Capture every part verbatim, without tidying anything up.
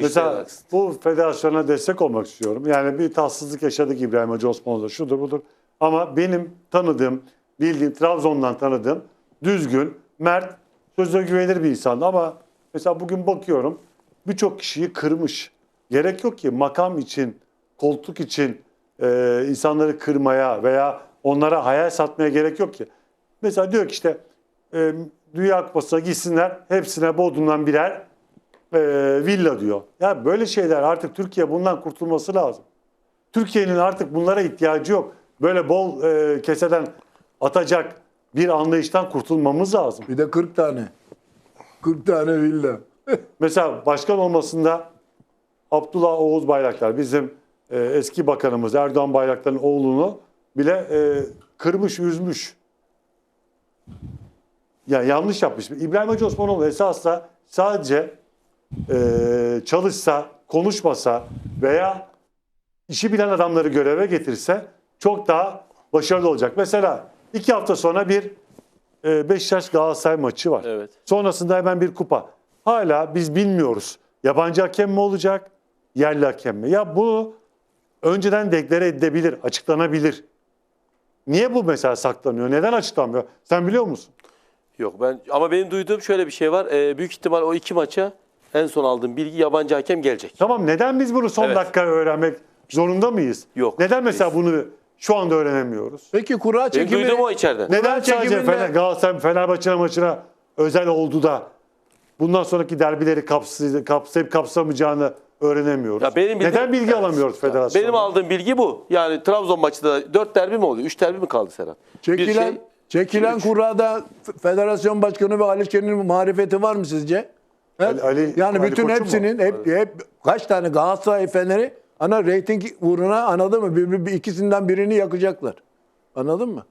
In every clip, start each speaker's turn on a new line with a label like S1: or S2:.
S1: Mesela bu federasyona destek olmak istiyorum. Yani bir tatsızlık yaşadık İbrahim Hacı Osmanlı'da, şudur budur. Ama benim tanıdığım, bildiğim, Trabzon'dan tanıdığım düzgün, mert, sözüne güvenilir bir insandı. Ama mesela bugün bakıyorum birçok kişiyi kırmış. Gerek yok ki makam için, koltuk için e, insanları kırmaya veya onlara hayal satmaya gerek yok ki. Mesela diyor ki işte e, Dünya Kupası'na gitsinler, hepsine Bodrum'dan birer e, villa diyor. Ya böyle şeyler, artık Türkiye bundan kurtulması lazım. Türkiye'nin artık bunlara ihtiyacı yok. Böyle bol e, keseden atacak bir anlayıştan kurtulmamız lazım.
S2: Bir de kırk tane. kırk tane villa.
S1: Mesela başkan olmasında Abdullah Oğuz Bayraktar, bizim e, eski bakanımız Erdoğan Bayraktar'ın oğlunu bile e, kırmış, üzmüş. Yani yanlış yapmış. İbrahim Hacı Osmanoğlu esasla sadece e, çalışsa, konuşmasa veya işi bilen adamları göreve getirse çok daha başarılı olacak. Mesela iki hafta sonra bir e, Beşiktaş Galatasaray maçı var.
S3: Evet.
S1: Sonrasında hemen bir kupa. Hala biz bilmiyoruz. Yabancı hakem mi olacak, yerli hakem mi? Ya bu önceden deklare edilebilir, açıklanabilir. Niye bu mesela saklanıyor? Neden açıklanmıyor? Sen biliyor musun?
S3: Yok ben ama benim duyduğum şöyle bir şey var. Ee, büyük ihtimal o iki maça en son aldığım bilgi yabancı hakem gelecek.
S1: Tamam, neden biz bunu son
S3: Evet.
S1: dakika öğrenmek zorunda mıyız?
S3: Yok,
S1: Neden mesela
S3: değiliz.
S1: bunu şu anda öğrenemiyoruz?
S2: Peki kura
S3: Benim
S2: çekimi...
S3: duyduğum o içeriden.
S1: Neden sadece
S2: çekiminde-
S1: Fener, Galatasaray Fenerbahçe maçına özel oldu da bundan sonraki derbileri kapsayıp, kapsayıp kapsamayacağını öğrenemiyoruz?
S3: Ya benim bildiğim-
S1: Neden bilgi
S3: Evet.
S1: alamıyoruz federasyondan?
S3: Benim aldığım bilgi bu. Yani Trabzon maçında dört derbi mi oluyor? üç derbi mi kaldı Serhat? Bir
S2: Çekilen,
S3: şey-
S2: çekilen
S3: üç.
S2: kurada F- Federasyon Başkanı ve Ali Şen'in marifeti var mı sizce? He?
S1: Ali- Ali-
S2: yani
S1: Ali
S2: bütün
S1: Koç'un mu?
S2: hepsinin hep, hep kaç tane Galatasaray Fener'i ana reyting uğruna, anladın mı? Bir, bir, bir- ikisinden birini yakacaklar. Anladın mı?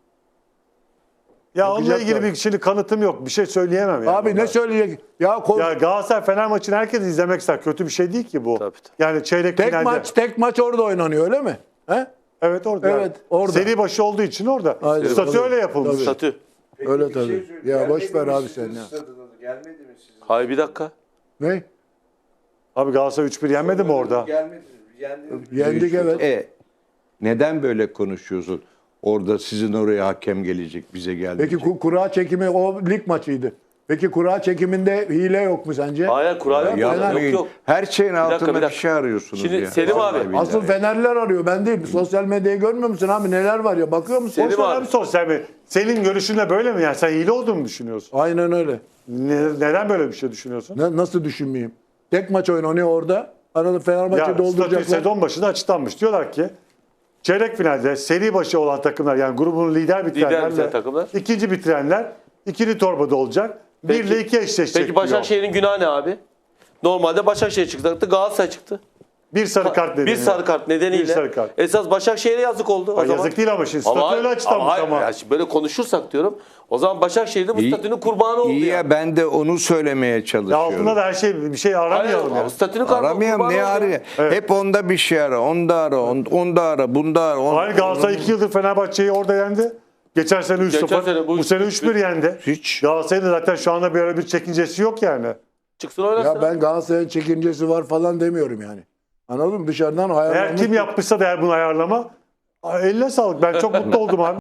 S1: Ya onunla
S2: Yakacaklar.
S1: ilgili bir şimdi kanıtım yok. Bir şey söyleyemem. Yani
S2: Abi ne
S1: ona.
S2: söyleyecek? Ya, ko-
S1: Ya Galatasaray Fener maçını herkes izlemek ister. Kötü bir şey değil ki bu.
S3: Tabii, tabii.
S1: Yani çeyrek
S2: tek
S1: finalde.
S2: maç tek maç orada oynanıyor öyle mi? He?
S1: Evet orada.
S2: Evet, orada.
S1: Seri başı olduğu için orada.
S2: Aynen.
S1: Statü
S2: Tabii.
S1: öyle yapılmış.
S2: Tabii.
S3: Statü.
S4: Peki
S2: Öyle
S4: bir
S2: tabii.
S4: söyleyeyim.
S2: Ya
S4: Gelmedi
S2: boş ver
S4: mi
S2: abi
S4: sizin
S2: sen ya.
S4: stadınıza? Gelmedi mi sizin?
S3: Hayır bir dakika.
S2: Ne?
S1: Abi Galatasaray üç bir yenmedi mi orada?
S4: Gelmedi. Yendi.
S2: Yendik evet.
S5: E, neden böyle konuşuyorsun? Orada sizin oraya hakem gelecek, bize
S2: Peki
S5: gelmeyecek.
S2: ku- kura çekimi o lig maçıydı. Peki kura çekiminde hile yok mu sence?
S3: Hayır kura yok. Yok
S5: Yapmayın.
S3: yok.
S5: Her şeyin
S3: dakika,
S5: altında
S3: bir
S5: bir,
S3: dakika.
S5: şey arıyorsunuz
S3: Şimdi
S5: ya.
S3: Selim
S5: Vallahi
S3: abi,
S5: billahi.
S2: Asıl Fenerler arıyor, ben değil. Sosyal medyayı görmüyor musun abi? Neler var ya, bakıyor musun?
S3: Selim
S1: Boş ver
S3: abi.
S1: abi sosyal medya. Senin görüşünle böyle mi? Yani sen hile olduğunu mu düşünüyorsun?
S2: Aynen öyle.
S1: Ne- neden böyle bir şey düşünüyorsun?
S2: Ne, nasıl düşünmeyeyim? Tek maç oynanıyor orada. Arada Fenerbahçe
S1: Ya statü
S2: dolduracaklar.
S1: sezon başında açıklanmış. Diyorlar ki çeyrek finalde seri başı olan takımlar, yani grubunu lider bitirenlerle
S3: bitiren takımlar.
S1: ikinci bitirenler ikili torbada olacak. Bir
S3: Peki-
S1: ile iki eşleşecek
S3: Peki
S1: diyor.
S3: Başakşehir'in günahı ne abi? Normalde Başakşehir çıkacaktı, Galatasaray çıktı.
S1: Bir sarı kart nedeniyle.
S3: Bir sarı kart nedeniyle.
S1: Bir sarı kart.
S3: Esas Başakşehir'e yazık oldu. O
S1: Ha,
S3: zaman.
S1: yazık değil ama şimdi statü öyle açıklanmış
S3: hayır,
S1: ama.
S3: ya şimdi böyle konuşursak diyorum. O zaman Başakşehir de bu
S5: İyi-
S3: statünün kurbanı oldu
S5: İyi ya,
S3: yani.
S5: ben de onu söylemeye
S1: Ya
S5: çalışıyorum.
S1: altında da her şey, bir şey
S3: Hayır,
S1: aramayalım
S3: ama
S1: yani.
S3: statünün kurbanı
S5: Aramayalım,
S3: oldu
S5: ne
S3: ya.
S5: arıyor?
S1: Evet.
S5: Hep onda bir şey ara, onda ara, on- onda ara, bunda ara. on-
S1: Hayır, Galatasaray iki yıldır Fenerbahçe'yi orada yendi. Geçen sene üç
S3: Geçen
S1: sıfır.
S3: sene bu
S1: Bu sene
S3: üç
S1: üç bir yendi.
S5: Hiç.
S1: Galatasaray'ın da zaten şu anda böyle bir çekincesi yok yani.
S3: Çıksın oynasın.
S2: Ya ben Galatasaray'ın çekincesi var falan demiyorum yani. Anladın mı? Dışarıdan
S1: Eğer
S2: hayal
S1: kim yapmışsa da eğer bunu ayarlama, eline sağlık. Ben çok mutlu oldum abi.